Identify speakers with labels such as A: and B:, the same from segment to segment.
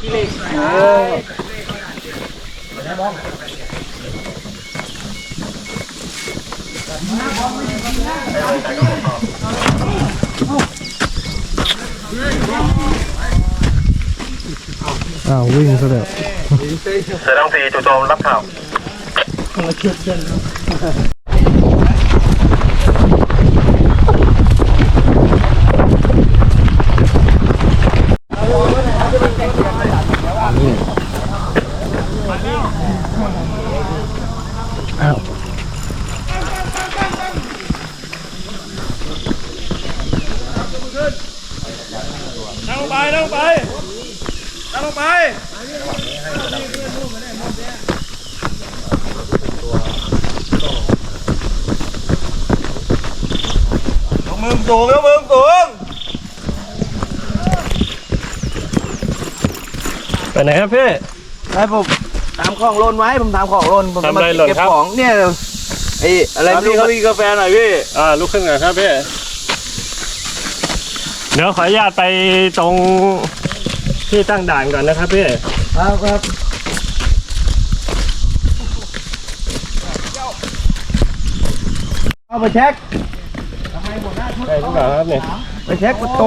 A: ขี้เหล็ก
B: วิ่งซะแล้ว
C: เสือดำ4จู่โจมรับข่าว
A: นั่งลงไปลงมือสูงยกมือสูง
B: ไปไหนครับพี่
A: ให้ผมตามของโลนไว้ผมตามของโลนผมมาเก็บของเนี่ยไอ้อะไรพี่เขามีกาแฟหน่อยพี่
B: ลุกขึ้นก่อนครับพี่เดี๋ยวขออนุญาตไปตรงที่ตั้งด่านก่อนนะครับพี่
A: ครับเอาไปเช็ค
B: ใช่หรือเปล่าครับเนี่ย
A: ไปเช็คมันตก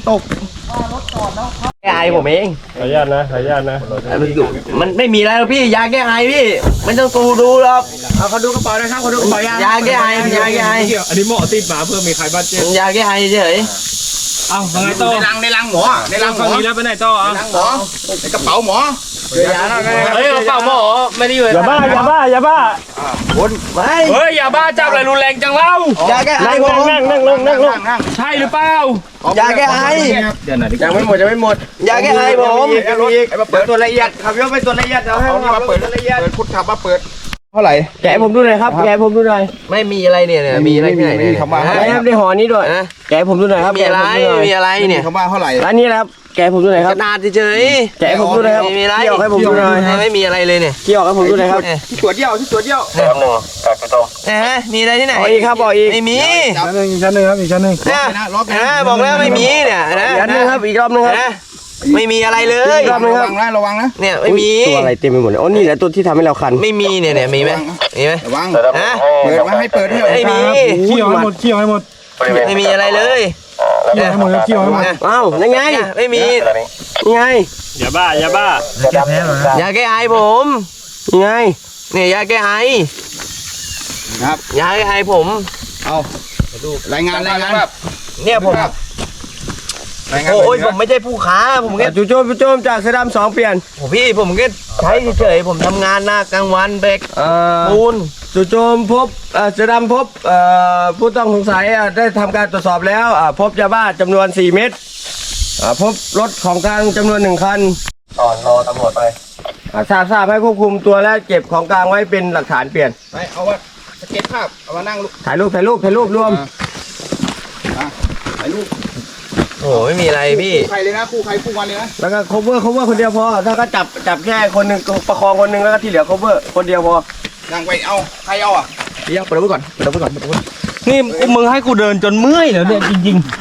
A: แก้ไอผมเอง
B: ขออนุญาตนะ
A: มันไม่มีอะไรหรอกพี่ยาแก้ไอพี่มันต้องดูหรอกเขาดูกระเป๋านะครับเขาดูกระเป๋ายาแก้ไอยาแก้ไอ
B: อันนี้หมอติดมาเพื่อมีใครบาดเจ็บ
A: ยาแก้ไอเฉย
B: เอ้าไงต่อ
D: ในรังหมอในรังหมอ
B: นี้แล้วไปไหนต่อ
D: ในรังหมอในกระเป๋าหมอ
A: เฮ้ยกระเป๋าหมอไม่ได้อยู่
B: อย่าบ้า
A: คนไม่
B: เฮ้ยอย่าบ้าจับอะไรรุนแรงจังเล่าย
A: าแก้ไอผม
B: นั่งลงใช่หรือเปล่าย
A: าแก้ไอยังไม่หมดยาแก้ไอผมเปิดตัวละเอียดขับยกไปตัวละเอียดเดี๋ยวให้
D: มาเปิดละเอียดพุทธมาเปิด
A: เท่าไหร่แกะผมดูหน่อยครับแกะผมดูหน่อยไม่มีอะไรเนี่ยมีอะไรที่ไหนเนี่ยไม่ครับได้ห่อนี้ด้วยแกะผมดูหน่อยครับมีอะไรเนี่ย
D: คำว่าเท่าไหร่
A: อันนี้นะครับแกะผมดูหน่อยครับนาเฉยแกะผมดูหน่อยครับมีอะไรเกี่ยวให้ผมดูหน่อยไม่มีอะไรเลยเนี่ยเกี่ยวให้ผมดูหน่อยครับ
D: ที่ตัวเดียว
C: ครับ1จากจู่โจม
A: มีอะไรที่ไหนอีกครับบอกอีกไม่มี
B: อีกชั้นหนึ่งครับอีกชั้นหนึ่ง
A: บอกแล้วไม่มีเนี่ยนะอีกนึงครับอีกรอบนึงครับไม่มีอะไรเลย
D: ระวังนะระวังนะ
A: เนี่ยไม่มี
B: ตัวอะไรเต็มไปหมดเลยโอ้นี่แหละตัวที่ทำให้เราคัน
A: ไม่มีเนี่ยมีไหม
D: ระวังเปิดมาให้เปิดให้
A: ไม่มี
B: เคี่ยวให้หมด
A: ไม่มีอะไรเลย
B: เคี่ยวให้หมด
A: อ้าวยังไงไม่มียังไง
B: อย่าบ้าย
A: าแก้ไอผมยังไงเนี่ยยาแก้ไอ
D: ครับ
A: ยาแก้ไอผม
D: เอารายงาน
A: เนี่ยผมโอ้ยผมไม่ใช่ผู้ค้าผมแค่จู่โจมจากเสือดำ2เปลี่ยนผมแค่ใช้เฉยผมทำงานหน้ากลางวันเบรกปูนจู่โจมพบเสือดำพบผู้ต้องสงสัยได้ทำการตรวจสอบแล้วพบยาบ้าจำนวน4 เม็ดพบรถของกลางจำนวน1 คัน
C: รอตำรวจไป
A: ทราบให้ควบคุมตัวและเก็บของกลางไว้เป็นหลักฐานเปลี่ยน
D: ไปเอาว่าสเก็ตภาพเอามานั่ง
A: ถ่ายรูปรวม
D: ถ่ายรูป
A: โอ้ไม่มีอะไรพี่
D: ใครเลยนะคู่ใครคู่วันเลยนะ
A: แล้วก็ cover คนเดียวพอถ้าก็จับแค่คนหนึ่งประคองคนหนึ่งแล้วก็ที่เหลือ cover คนเดียวพอ
D: นั่งไปเอาใครเอา
A: เดี๋ยวเปิดไว้ก่อนนี่มึงให้กูเดินจนเมื่อยแล้วเนี่ยจริงๆ